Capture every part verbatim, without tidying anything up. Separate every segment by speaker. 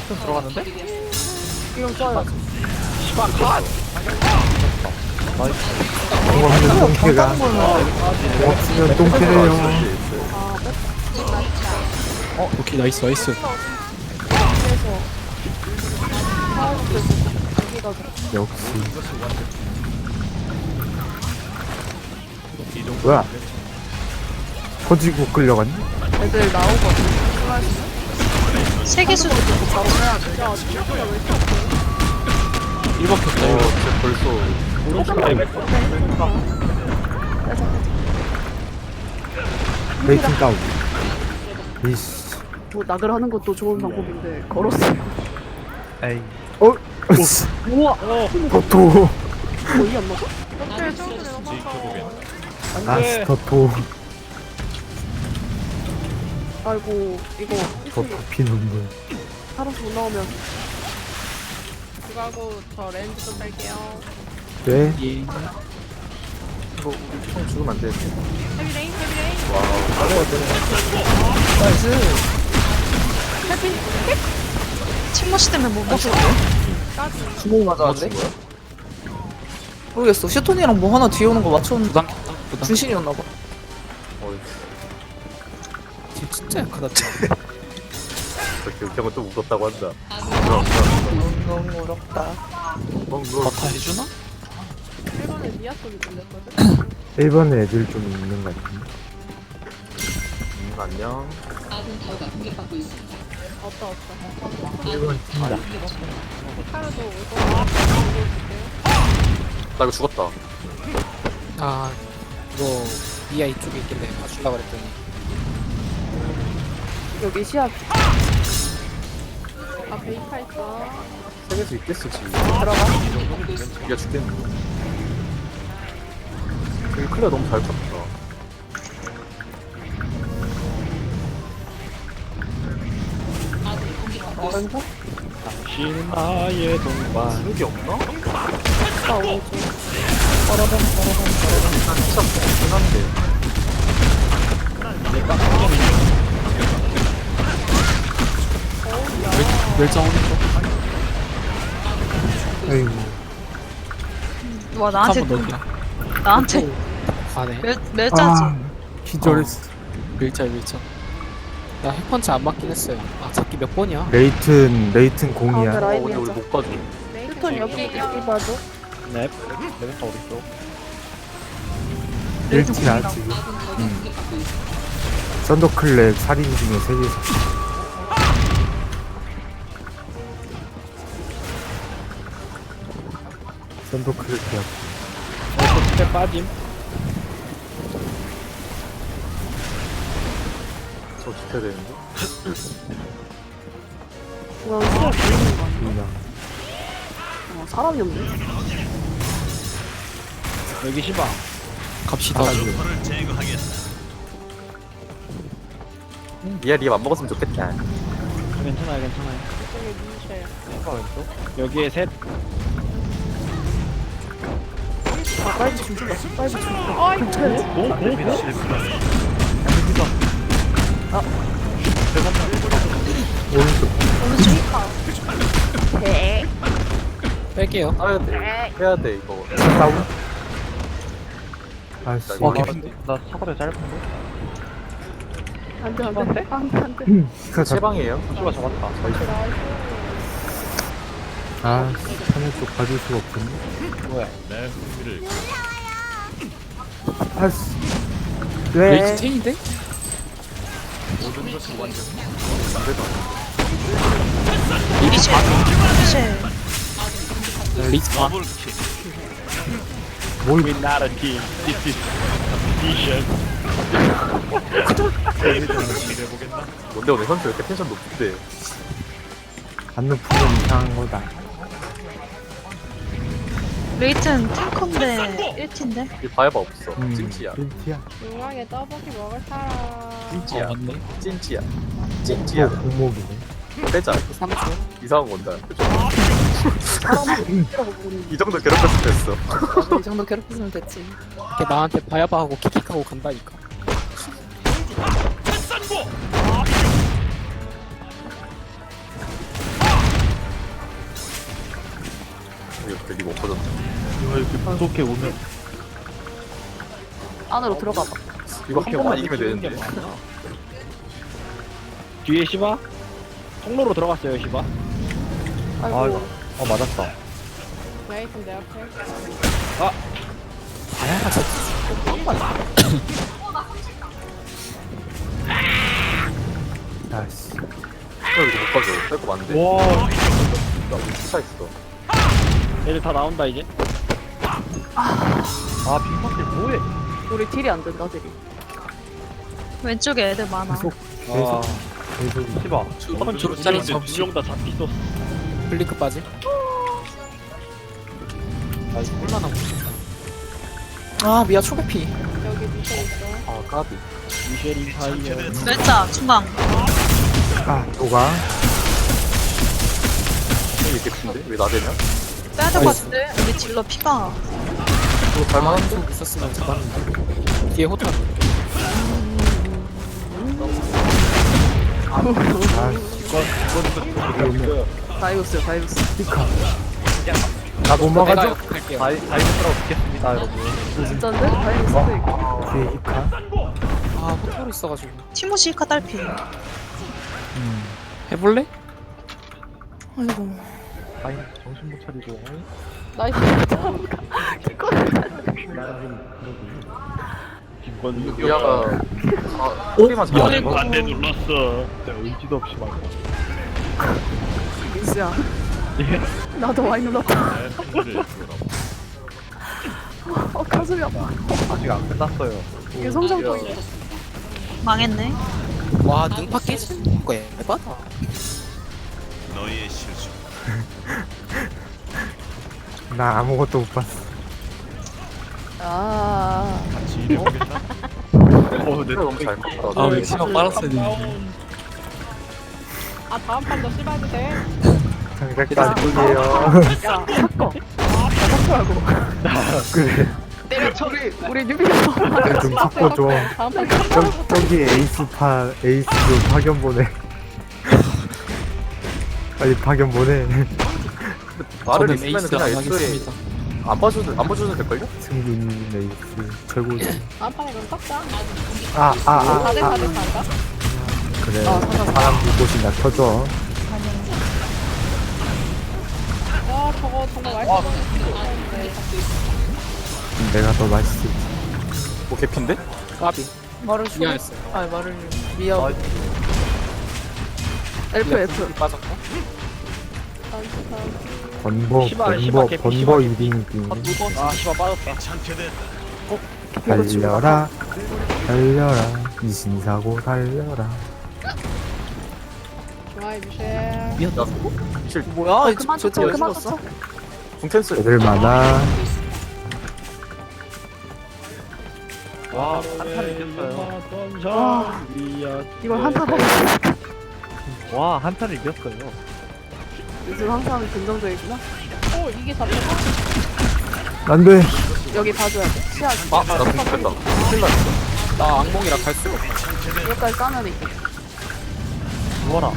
Speaker 1: 좀 들어갔는데?
Speaker 2: 이거 써요.
Speaker 1: 시발 컷!
Speaker 3: 공업수면 똥캐가 공업수면 똥캐래요.
Speaker 4: 어 오케이 나이스 나이스.
Speaker 2: 그래서 하우스에서 여기가
Speaker 3: 역시 뭐야 터지고 끌려갔니?
Speaker 2: 애들 나오거든.
Speaker 5: 세계 수도
Speaker 2: 바로 해야 돼. 야, 진짜 왜 이렇게 아파?
Speaker 4: 일 번 켰다
Speaker 1: 어,
Speaker 4: 이거.
Speaker 1: 진짜 벌써
Speaker 4: 오른쪽 라인.
Speaker 3: 베이킹 다운. 이씨.
Speaker 2: 뭐 낙을 하는 것도 좋은 방법인데 걸었어요.
Speaker 3: 에이. 어? 으씨.
Speaker 2: 우와.
Speaker 3: 더토.
Speaker 2: 거의 안 맞아?
Speaker 3: 아씨 더토.
Speaker 2: 아이고 이거
Speaker 3: 더토 피 눈물.
Speaker 2: 살아서 못 나오면
Speaker 6: 그거 하고 저 렌즈 좀 뺄게요.
Speaker 3: 네.
Speaker 4: 예.
Speaker 1: 이거 우리 총 죽으면 안 되는데.
Speaker 6: 헤비레인, 헤비레인.
Speaker 5: 침모시 때문에 못 먹어.
Speaker 7: 주먹 맞았는데? 모르겠어. 슈톤이랑 뭐 하나 뒤에 오는 거 맞췄는데
Speaker 4: 부당 켰다. 부당.
Speaker 7: 분신이었나봐.
Speaker 1: 어,
Speaker 4: 쟤 진짜 약하다.
Speaker 1: 저렇게 웃겨면 또 웃었다고 한다.
Speaker 7: 너무 어렵다.
Speaker 4: 버타 해주나?
Speaker 6: 일본에 미아 소리 들렸거든?
Speaker 3: 일 번에 애들 좀 있는 것 같은데.
Speaker 1: 음, 안녕.
Speaker 6: 없다, 없다.
Speaker 3: 일 번 팀이다.
Speaker 6: 히카르도 올거 같아요.
Speaker 1: 나 이거 죽었다.
Speaker 4: 아 이거 미아 이쪽에 있길래 봐줄라 그랬더니
Speaker 2: 여기 시합
Speaker 6: 아, 베이카 있어.
Speaker 1: 세계수 있겠어, 지금. 들어가. 이 정도면 네가 죽겠네. 여기 클리어 너무 잘 쳤다.
Speaker 2: 왼쪽?
Speaker 4: 당신 나의 동반.
Speaker 1: 수력이 없나?
Speaker 2: 아 오른쪽.
Speaker 1: 일단 진짜 없긴 한데.
Speaker 4: 멸장 오른쪽.
Speaker 3: 아이고.
Speaker 5: 와 나한테
Speaker 4: 한번 넣기야.
Speaker 5: 나한테
Speaker 4: 가네.
Speaker 5: 몇 몇자지?
Speaker 3: 아, 기절했어.
Speaker 4: 밀자 밀자. 나 핵펀치 안 맞긴 했어요. 아 잡기 몇 번이야?
Speaker 3: 레이튼 레이튼
Speaker 2: 가운데
Speaker 3: 공이야.
Speaker 1: 어,
Speaker 2: 라인이
Speaker 1: 근데 우리
Speaker 2: 하자.
Speaker 1: 못 가져.
Speaker 2: 슈톤 여기 여기 봐줘.
Speaker 4: 넵. 레베카 오른쪽.
Speaker 3: 일티야 지금. 음. 썬더클랩 살인 중에 세계에서. 썬더클랩이야.
Speaker 4: 스텝 빠짐.
Speaker 1: 저 지켜야 되는데.
Speaker 2: 중앙 시합 보이는 거 아니야?
Speaker 3: 그냥
Speaker 2: 어, 사람이 없네.
Speaker 4: 여기 시바. 갑시다.
Speaker 1: 니야, 니가 안 먹었으면 좋겠다.
Speaker 4: 괜찮아요 괜찮아요.
Speaker 6: 이쪽에 미니셔요.
Speaker 4: 시바 왼쪽. 여기에 셋.
Speaker 2: 아 빨리 춤춘다. 빨리 춤춘다.
Speaker 6: 아이고.
Speaker 3: 오른쪽.
Speaker 4: 뺄게요.
Speaker 1: 해야 돼. 해야 돼, 이거.
Speaker 3: 다운. 아씨.
Speaker 1: 와,
Speaker 4: 개핀데. 나 사거리 짧은데?
Speaker 2: 안돼 안돼. 안돼 안돼.
Speaker 3: 스카 잡.
Speaker 1: 세방이에요?
Speaker 4: 시바 잡았다.
Speaker 3: 아, 하늘 쪽 봐줄 수가 없겠네.
Speaker 4: 뭐야?
Speaker 3: 아씨.
Speaker 4: 레이트
Speaker 3: 왜?
Speaker 4: 체인인데?
Speaker 5: 이제 이제
Speaker 4: 레이트 반.
Speaker 3: 뭘
Speaker 4: We're not a team. This is competition.
Speaker 1: 뭔데, 오늘 현수 왜 이렇게 텐션 높은데?
Speaker 3: 안 높으면 이상한 거다.
Speaker 5: 레이튼 탱커인데 일 티인데
Speaker 1: 이 바이바 없어.
Speaker 3: 음,
Speaker 1: 찐찌야.
Speaker 3: 일티야.
Speaker 6: 중앙에 떡볶이 먹을 사람.
Speaker 1: 찐찌야.
Speaker 4: 어 맞네.
Speaker 1: 찐찌야.
Speaker 3: 또
Speaker 1: 찐찌야.
Speaker 3: 공목이네.
Speaker 1: 빼자.
Speaker 4: 삼 초.
Speaker 1: 이상한 건다.
Speaker 2: 사람이라고 부르는
Speaker 1: 이 정도 괴롭혔으면 됐어.
Speaker 7: 이 정도 괴롭히면 됐지.
Speaker 4: 걔 나한테 바야바 하고 킥킥하고 간다니까.
Speaker 1: 들리고 없어졌다.
Speaker 3: 이거 이렇게 부족해 오면
Speaker 2: 안으로 들어가 봐.
Speaker 1: 이거 한 번만 이기면 되는데.
Speaker 8: 뒤에 시바? 통로로 들어갔어요 시바.
Speaker 2: 아이고.
Speaker 3: 아 이거 어 맞았다.
Speaker 6: 레이튼 내 앞에.
Speaker 4: 아야 저
Speaker 3: 아씨.
Speaker 1: 이거 이거 못 가져. 뺄거 많은데.
Speaker 8: 와
Speaker 1: 나 스타 있어.
Speaker 8: 얘들 다 나온다 이제.
Speaker 3: 아 빙박대 뭐해?
Speaker 2: 우리 딜이 안 된다, 딜이.
Speaker 5: 왼쪽에 애들 많아.
Speaker 3: 계속
Speaker 8: 와
Speaker 3: 계속 계속 씹어.
Speaker 4: 주- 주름살이 접시
Speaker 8: 두명 다 잡기 썼어.
Speaker 4: 블링크 빠지 아 이거 홀라나
Speaker 7: 아 미아 초계피.
Speaker 6: 여기 밑에 있어.
Speaker 1: 아 까비.
Speaker 8: 미쉐린 파이어.
Speaker 5: 왼쪽 중앙.
Speaker 3: 아 또가.
Speaker 1: 이게 개핀데? 왜 나대냐?
Speaker 5: 빼야 될 것 같은데? 우리 딜러 피가.
Speaker 1: 이거 갈만한데?
Speaker 4: 좀 있었으면 잡았는데 뒤에 호텔
Speaker 3: 아 이거 오면
Speaker 2: 다이오스요, 다이오스.
Speaker 3: 피카. 나못 막아줘.
Speaker 4: 내가 갈게요
Speaker 3: 다이 다이브스라고 듣겠습니다 여러분.
Speaker 2: 진짠데? 다이오스도 있고.
Speaker 3: 뒤에 히카.
Speaker 4: 아 호텔 있어가지고
Speaker 5: 티모시 이카 딸피.
Speaker 3: 음.
Speaker 4: 해볼래?
Speaker 7: 아이고.
Speaker 3: 아이 정신 못 차리고.
Speaker 6: 나이스.
Speaker 8: 김건우.
Speaker 1: 미아가 아 소리만 잘하는 거.
Speaker 8: 반대 눌렀어. 의지도 없이 막.
Speaker 2: 민수야.
Speaker 3: 예?
Speaker 2: 나도 많이 눌렀다. 어, 가슴이 아파.
Speaker 3: 아직 안 끝났어요.
Speaker 2: 이게 성장 포인트.
Speaker 5: 망했네.
Speaker 4: 와 능파 깨지는 거야 해봐다
Speaker 3: 나 아무것도 못 봤어.
Speaker 2: 아.
Speaker 3: 어,
Speaker 1: 내가 너무 잘 컸다.
Speaker 4: 아왜 시간 빨았어야 되는데
Speaker 6: 아 다음 판도 씹어도 돼?
Speaker 3: 장작까지 뚝이에요.
Speaker 2: 야, 섞어. 야, 섞으라고.
Speaker 3: 그래.
Speaker 6: 때려
Speaker 2: 저기, 우리 뉴비에서.
Speaker 3: 좀 섞어줘.
Speaker 6: 다음 판
Speaker 3: 저, 저기 에이스파 에이스 좀 파견 보내. 빨리 파견 보내.
Speaker 1: 말을
Speaker 4: 저는
Speaker 1: 있으면
Speaker 4: 에이스
Speaker 1: 그냥
Speaker 4: 안
Speaker 1: 애초에
Speaker 4: 하겠습니다
Speaker 1: 안 봐줘도 안 봐줘도 될걸요?
Speaker 3: 승균 에이스 최고지.
Speaker 6: 다음 판에 그럼 섞자.
Speaker 3: 아 아 아
Speaker 6: 사 대
Speaker 3: 아,
Speaker 6: 사 대 사인가?
Speaker 3: 그래.
Speaker 2: 아, 사자, 사자.
Speaker 3: 사람 불꽃이나 켜줘.
Speaker 6: 와 저거 정말 맛있어.
Speaker 3: 내가 더 맛있을지.
Speaker 1: 뭐 개핀데?
Speaker 4: 까비
Speaker 7: 말을 초.
Speaker 4: 미안했어요
Speaker 7: 아 말을 미아.
Speaker 3: 아,
Speaker 2: F, F.
Speaker 4: 빠졌고
Speaker 3: 번버
Speaker 8: 시바,
Speaker 3: 번버
Speaker 8: 시바 개피,
Speaker 3: 번버
Speaker 8: 시바
Speaker 3: 유딩딩.
Speaker 8: 아 시바 빠졌다.
Speaker 3: 달려라 달려라 이신사고 달려라.
Speaker 6: 좋아요 미셸.
Speaker 1: 야 미실
Speaker 7: 뭐야?
Speaker 2: 그만
Speaker 7: 저
Speaker 2: 쳤어,
Speaker 7: 저
Speaker 2: 그만
Speaker 7: 죽었어?
Speaker 2: 쳤어.
Speaker 1: 궁텐스
Speaker 3: 애들 많아.
Speaker 8: 와 한타를 이겼어요.
Speaker 2: 와. 이걸 한타를 했어.
Speaker 3: 와 한타를 이겼어요.
Speaker 2: 요즘 항상 긍정적이구나.
Speaker 6: 오 이게 잡혔어?
Speaker 3: 안돼.
Speaker 2: 여기 봐줘야 돼. 시야.
Speaker 1: 아, 나 궁텐다. 큰일 났어.
Speaker 4: 나 악몽이라 갈 수가 없어
Speaker 2: 여기까지 까면 있고.
Speaker 3: 누워라.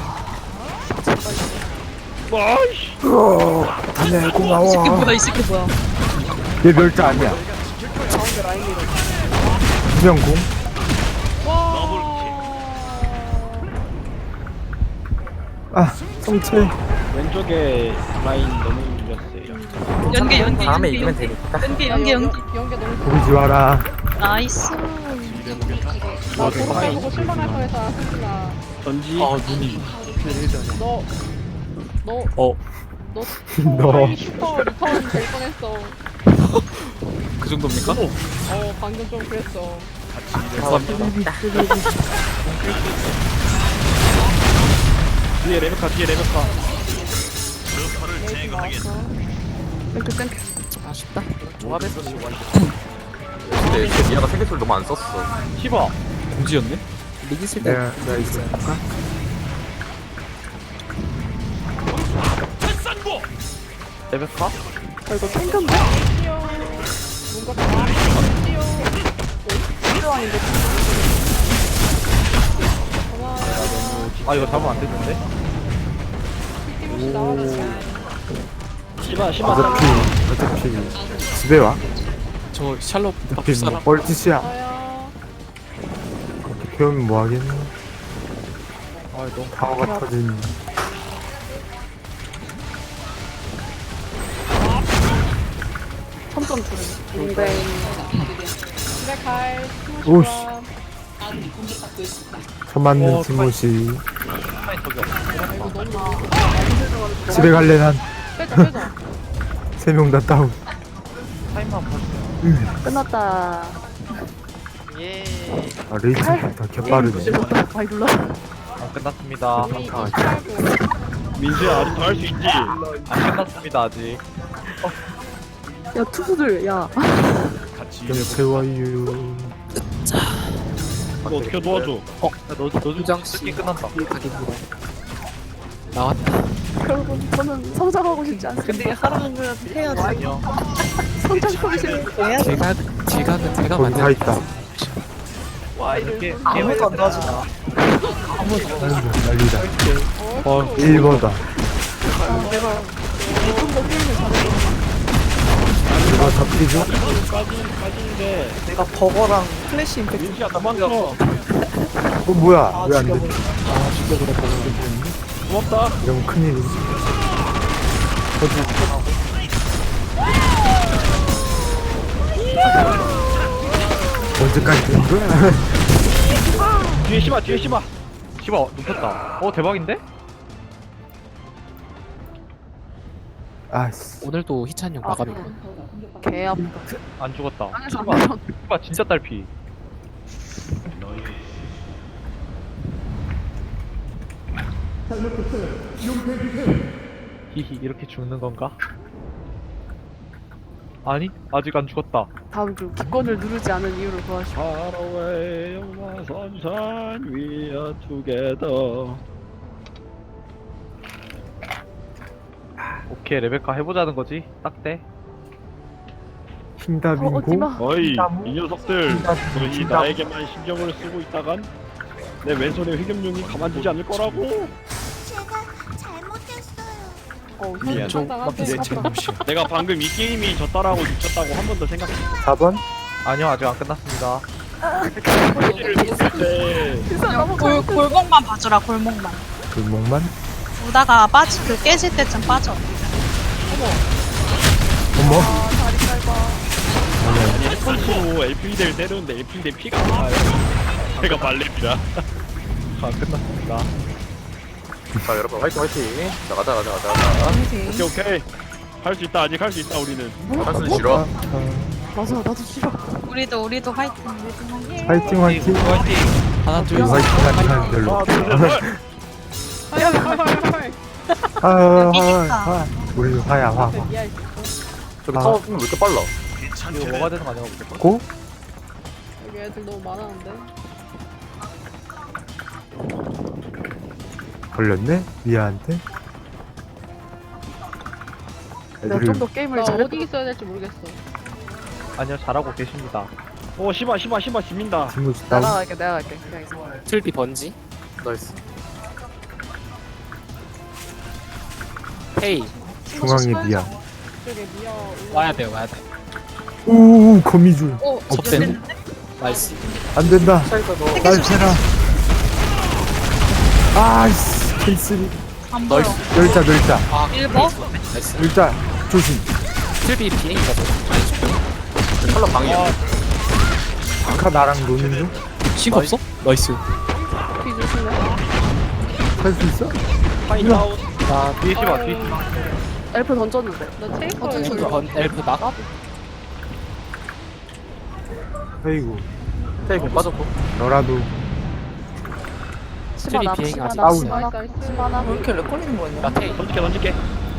Speaker 8: 와이씨.
Speaker 3: 다네
Speaker 5: 이 새끼
Speaker 3: 고마워.
Speaker 5: 뭐야 이 새끼 뭐야.
Speaker 3: 얘 멸자 아니야.
Speaker 2: 가운데 라인 밀어.
Speaker 3: 구명공. 아 성체.
Speaker 8: 왼쪽에 라인 너무 밀렸어요.
Speaker 5: 연계 연계
Speaker 7: 다음에
Speaker 5: 연계
Speaker 7: 이기면
Speaker 5: 연계
Speaker 7: 되니까.
Speaker 5: 연계 연계 연계.
Speaker 6: 연계 너무
Speaker 3: 보이지 마라.
Speaker 5: 나이스.
Speaker 6: 나 도로 보고 실망할 뻔했어 승진아.
Speaker 8: 전지.
Speaker 4: 아 눈이
Speaker 6: 너 너,
Speaker 4: 어.
Speaker 6: 너
Speaker 3: 너.
Speaker 6: 초라이 슈퍼 리턴 될 뻔했어.
Speaker 4: 그 정도입니까?
Speaker 6: 어 방금 좀 그랬어.
Speaker 4: 감사합니다
Speaker 8: 뒤에 레베카 뒤에 레베카.
Speaker 6: 레이튼 나왔어.
Speaker 2: 땡큐, 땡큐.
Speaker 4: 아쉽다
Speaker 1: 조합에서 지금 근데 쟤 미아가 세계수를 너무 안 썼어.
Speaker 8: 시바.
Speaker 4: 공지였네? 리기 쓸때
Speaker 3: 내가 내가 이거 볼까?
Speaker 8: 레베카?
Speaker 2: 아, 이거 탱크인데?
Speaker 6: 뛰어. 뭔가 다 뛰어.
Speaker 2: 필요 아닌데.
Speaker 6: 고마워.
Speaker 8: 아 이거 잡으면 안 되는데?
Speaker 6: 티모시 나와라.
Speaker 8: 시바 시바
Speaker 3: 어차피 어차피 집에 와.
Speaker 4: 저 샬롯
Speaker 3: 어차피
Speaker 4: 바꿀
Speaker 3: 뭐
Speaker 4: 사람
Speaker 3: 뻘짓이야.
Speaker 6: 저요.
Speaker 3: 어떻게 하면 뭐 하겠노?
Speaker 4: 아 너무
Speaker 3: 방어가 터진.
Speaker 2: 천점 주는. 뱅뱅.
Speaker 6: 집에 갈.
Speaker 3: 오씨.
Speaker 6: 오씨.
Speaker 3: 처맞는
Speaker 8: 어,
Speaker 3: 티모시.
Speaker 8: 타임 저기 없어.
Speaker 3: 집에 갈래 난.
Speaker 6: 빼자 빼자.
Speaker 3: 세 명 다 다운.
Speaker 8: 타임만 봐주세요.
Speaker 2: 끝났다.
Speaker 8: 예.
Speaker 3: 아 레이팅 다 개빠르네.
Speaker 2: 많이 눌러.
Speaker 8: 안 끝났습니다.
Speaker 6: 이미
Speaker 3: 아,
Speaker 6: 이십팔 분.
Speaker 8: 민수야 아직도 할 수 있지. 안 끝났습니다 아직.
Speaker 2: 야 투수들 야.
Speaker 3: 영채와유.
Speaker 8: 이거 어떻게 도와줘? 어, 너 너도
Speaker 4: 유장씨
Speaker 8: 게임 끝난다.
Speaker 4: 각입니다. 나왔다.
Speaker 2: 여러분 저는 성장하고 싶지 않습니다.
Speaker 7: 근데 하루는 해야지.
Speaker 8: 아니요.
Speaker 2: 성장하고 싶은
Speaker 4: 제가 제각은 제가
Speaker 3: 거기 다
Speaker 4: 만든
Speaker 3: 있다.
Speaker 8: 와 이렇게
Speaker 7: 아무도 안 도와주나.
Speaker 3: 아이고 난리다.
Speaker 8: 어,
Speaker 3: 일 번다. 누가 잡히죠?
Speaker 8: 빠진 빠진데.
Speaker 7: 내가 버거랑 플래시 임팩트.
Speaker 8: 민수야 도망가.
Speaker 3: 어 뭐야?
Speaker 7: 아,
Speaker 3: 왜 안 돼?
Speaker 7: 죽여버려.
Speaker 3: 아 죽여버렸다.
Speaker 8: 고맙다.
Speaker 3: 이러면 큰일이지. 언제까지 되는 거야?
Speaker 8: 뒤에 시바 뒤에 시바. 시바 눕혔다. 어 대박인데?
Speaker 3: 아씨.
Speaker 4: 오늘도 희찬이 형 마감이고.
Speaker 2: 개 아파.
Speaker 8: 안 죽었다.
Speaker 2: 땅에서 안
Speaker 8: 시바
Speaker 2: 내려.
Speaker 8: 시바 진짜 딸피. 히히 이렇게 죽는 건가? 아니 아직 안 죽었다.
Speaker 2: 다음 주 기권을 누르지 않은 이유를 구하시오.
Speaker 8: Far away on the sunshine, we are together. 오케이 레베카 해보자는 거지? 딱 돼.
Speaker 2: 어,
Speaker 3: 흰다빙고.
Speaker 2: 어디마.
Speaker 8: 어이
Speaker 3: 나무?
Speaker 8: 이 녀석들
Speaker 3: 나무?
Speaker 8: 너희
Speaker 3: 나무?
Speaker 8: 나에게만 신경을 쓰고 있다간 내 왼손의 휘겸룡이 가만두지 않을 거라고.
Speaker 2: 어,
Speaker 8: 미안.
Speaker 4: 좀
Speaker 6: 상상한데.
Speaker 4: 내 잘못이야.
Speaker 8: 내가 방금 이 게임이 졌다라고 미쳤다고 한 번 더 생각해.
Speaker 3: 사 번?
Speaker 8: 아니요 아직 안 끝났습니다. 네.
Speaker 5: 골, 골목만 봐주라 골목만.
Speaker 3: 골목만?
Speaker 5: 오다가 빠지 그 깨질 때쯤 빠져.
Speaker 3: 어머?
Speaker 8: 아니 헬펀치로 엘피데를 때렸는데 엘피데 피가 안 나요. 제가 말렙이라. 아 끝났습니다.
Speaker 1: 자 여러분 화이팅 화이팅. 자 가자 가자 가자 가자.
Speaker 8: 오케이 오케이 할 수 있다 아직 할 수 있다 우리는.
Speaker 1: 한순 싫어.
Speaker 2: 맞아 나도 싫어.
Speaker 5: 우리도 우리도 화이팅.
Speaker 3: 화이팅 화이팅.
Speaker 4: 하나 둘
Speaker 3: 화이팅
Speaker 4: 셋.
Speaker 3: 하는 별로.
Speaker 8: 하나 둘셋
Speaker 6: 헐헐헐헐.
Speaker 3: 아, 화,
Speaker 5: 이기니까.
Speaker 3: 화. 우리 화야 화.
Speaker 6: 미야 있어.
Speaker 1: 저기
Speaker 3: 아.
Speaker 1: 타워 왜 이렇게 빨라?
Speaker 8: 이거 뭐가 되는 거 아니야 무조건?
Speaker 3: 고?
Speaker 6: 여기 애들 너무 많았는데.
Speaker 3: 걸렸네? 미아한테?
Speaker 2: 내가
Speaker 3: 애들이
Speaker 2: 좀 더 게임을
Speaker 6: 나
Speaker 2: 잘해.
Speaker 6: 어디 있어야 될지 모르겠어.
Speaker 8: 아니요 잘하고 계십니다. 오 시바 시바 시바 집민다.
Speaker 3: 친구
Speaker 2: 내가
Speaker 3: 다운.
Speaker 2: 갈게 내가 갈게. 그냥 있어.
Speaker 4: 틀비 번지.
Speaker 1: 나이스.
Speaker 4: 헤이
Speaker 3: 중앙에 미아.
Speaker 6: 저쪽에 미야 올라.
Speaker 4: 와야 돼 와야 돼.
Speaker 3: 오 거미줄.
Speaker 6: 어,
Speaker 4: 접대. 나이스.
Speaker 3: 안 된다. 날 패라. 아이씨 캔슬이.
Speaker 5: 안 보여.
Speaker 3: 멸자 멸자
Speaker 4: 아
Speaker 5: 일 번?
Speaker 4: 나이스.
Speaker 3: 멸자 조심.
Speaker 4: 틀비 비행기가 더. 아니
Speaker 1: 컬러 방이야.
Speaker 3: 아까 나랑 노는 중?
Speaker 4: 신거 없어? 나이스.
Speaker 2: 비 조심해.
Speaker 3: 할 수 있어?
Speaker 8: 파인 다운.
Speaker 4: 나
Speaker 8: 뒤에 시바 뒤에 시바.
Speaker 2: 엘프 던졌는데.
Speaker 6: 나 테이커에
Speaker 5: 어떤
Speaker 6: 걸려.
Speaker 4: 번 엘프 나.
Speaker 3: 아이고
Speaker 1: 테이크 빠졌고.
Speaker 3: 너라도
Speaker 2: 치마 나
Speaker 4: 비행이
Speaker 2: 치마
Speaker 4: 아직
Speaker 2: 나
Speaker 3: 있어요.
Speaker 2: 치마 나
Speaker 6: 나이스, 나이스.
Speaker 2: 치마 나.
Speaker 7: 왜 이렇게 렉 걸리는 거냐?
Speaker 4: 나 테이
Speaker 8: 던질게 던질게.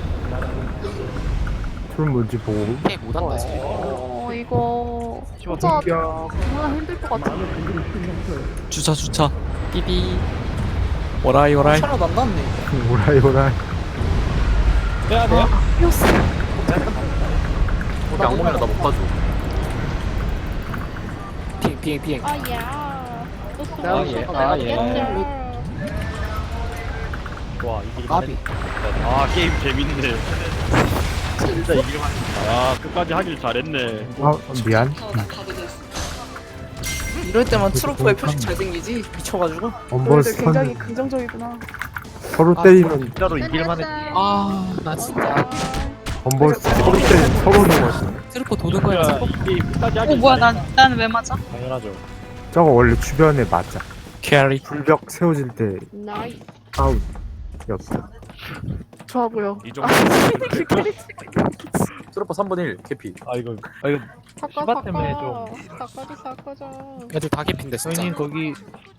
Speaker 3: 풀 뭔지 보고
Speaker 4: 테이 못한다 지금.
Speaker 2: 어 이거
Speaker 8: 치마
Speaker 2: 혼자
Speaker 3: 야
Speaker 2: 정말 힘들 것 같아.
Speaker 4: 주차 주차. 삐비. 오라이 오라이.
Speaker 7: 차로 안 났네.
Speaker 3: 오라이 오라이.
Speaker 8: 빼야 돼요?
Speaker 2: 피었어.
Speaker 1: 우리 악몽이라 나 못 봐줘.
Speaker 4: 비행 비행 비행.
Speaker 6: 아야. 또
Speaker 2: 아,
Speaker 6: 쏘고
Speaker 8: 예.
Speaker 6: 싶어.
Speaker 8: 아, 예.
Speaker 6: 야.
Speaker 8: 좋아 이길
Speaker 4: 까비.
Speaker 8: 아 게임 재밌네. 진짜 이길만 했다. 아 끝까지 하길 잘했네.
Speaker 3: 아 미안.
Speaker 7: 이럴 때만 트로프의 표식 잘생기지 미쳐가지고.
Speaker 3: 엄벌
Speaker 2: 너희들 굉장히
Speaker 3: 스턴
Speaker 2: 긍정적이구나.
Speaker 3: 서로
Speaker 4: 아,
Speaker 3: 때리면
Speaker 8: 진짜로 이길만 했다.
Speaker 4: 아, 나 진짜.
Speaker 3: 엄벌 서로 때리면 서로 넘어지.
Speaker 4: 트루퍼 도는 거야.
Speaker 8: 야, 이게 끝까지 하길
Speaker 5: 어 뭐야
Speaker 8: 잘했네.
Speaker 5: 난 나는 왜 맞아?
Speaker 8: 당연하죠.
Speaker 3: 저거 원래 주변에 맞아.
Speaker 4: 캐리.
Speaker 3: 불벽 세워질 때
Speaker 6: 나이스.
Speaker 3: 아웃이었어.
Speaker 2: 좋아 보여.
Speaker 1: 이 정도. 트로퍼 삼분의 일 캐피.
Speaker 8: 아 이거 아 이거
Speaker 6: 사과
Speaker 8: 시바 때문에
Speaker 6: 사과. 사과도 사과죠.
Speaker 4: 애들 다 개핀데 진짜.
Speaker 8: 형님 거기